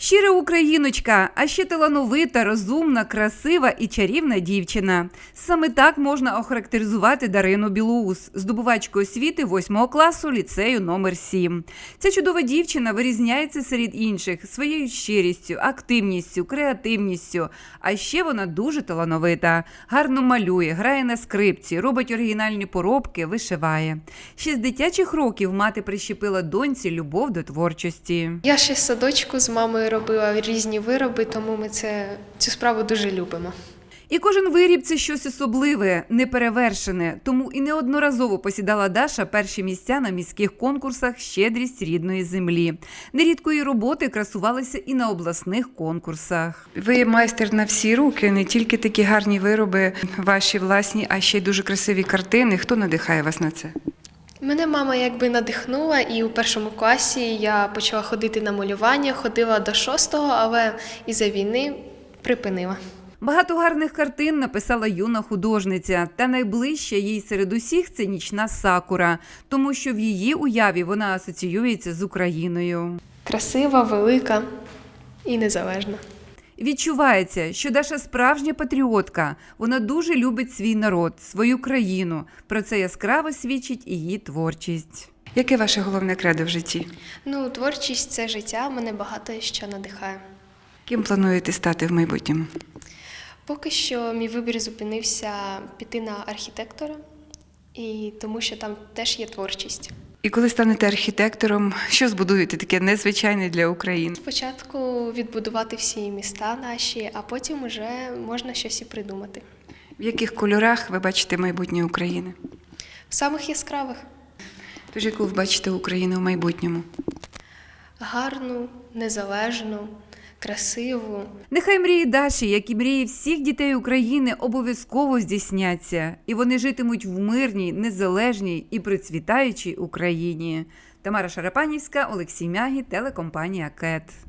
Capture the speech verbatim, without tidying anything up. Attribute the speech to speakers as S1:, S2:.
S1: Щира україночка, а ще талановита, розумна, красива і чарівна дівчина. Саме так можна охарактеризувати Дарину Білоус, здобувачку освіти восьмого класу ліцею номер сім. Ця чудова дівчина вирізняється серед інших своєю щирістю, активністю, креативністю. А ще вона дуже талановита, гарно малює, грає на скрипці, робить оригінальні поробки, вишиває. Ще з дитячих років мати прищепила доньці любов до творчості.
S2: Я ще з садочку з мамою робила різні вироби, тому ми це, цю справу дуже любимо.
S1: І кожен виріб – це щось особливе, неперевершене. Тому і неодноразово посідала Даша перші місця на міських конкурсах «Щедрість рідної землі». Нерідко її роботи красувалися і на обласних конкурсах. Ви майстер на всі руки, не тільки такі гарні вироби ваші власні, а ще й дуже красиві картини. Хто надихає вас на це?
S2: Мене мама якби надихнула, і у першому класі я почала ходити на малювання, ходила до шостого, але із-за війни припинила.
S1: Багато гарних картин написала юна художниця, та найближча їй серед усіх – це «Нічна сакура», тому що в її уяві вона асоціюється з Україною.
S2: Красива, велика і незалежна.
S1: Відчувається, що Даша справжня патріотка. Вона дуже любить свій народ, свою країну. Про це яскраво свідчить і її творчість. Яке ваше головне кредо в житті?
S2: Ну, творчість – це життя, мене багато що надихає.
S1: Ким плануєте стати в майбутньому?
S2: Поки що мій вибір зупинився піти на архітектора, і тому що там теж є творчість.
S1: І коли станете архітектором, що збудуєте таке незвичайне для України?
S2: Спочатку відбудувати всі міста наші, а потім вже можна щось і придумати.
S1: В яких кольорах ви бачите майбутнє України?
S2: В самих яскравих.
S1: Тож яку ви бачите Україну в майбутньому?
S2: Гарну, незалежну, красиву.
S1: Нехай мрії Даші, як і мрії всіх дітей України, обов'язково здійсняться. І вони житимуть в мирній, незалежній і процвітаючій Україні. Тамара Шарапанівська, Олексій Мягі, телекомпанія «КЕТ».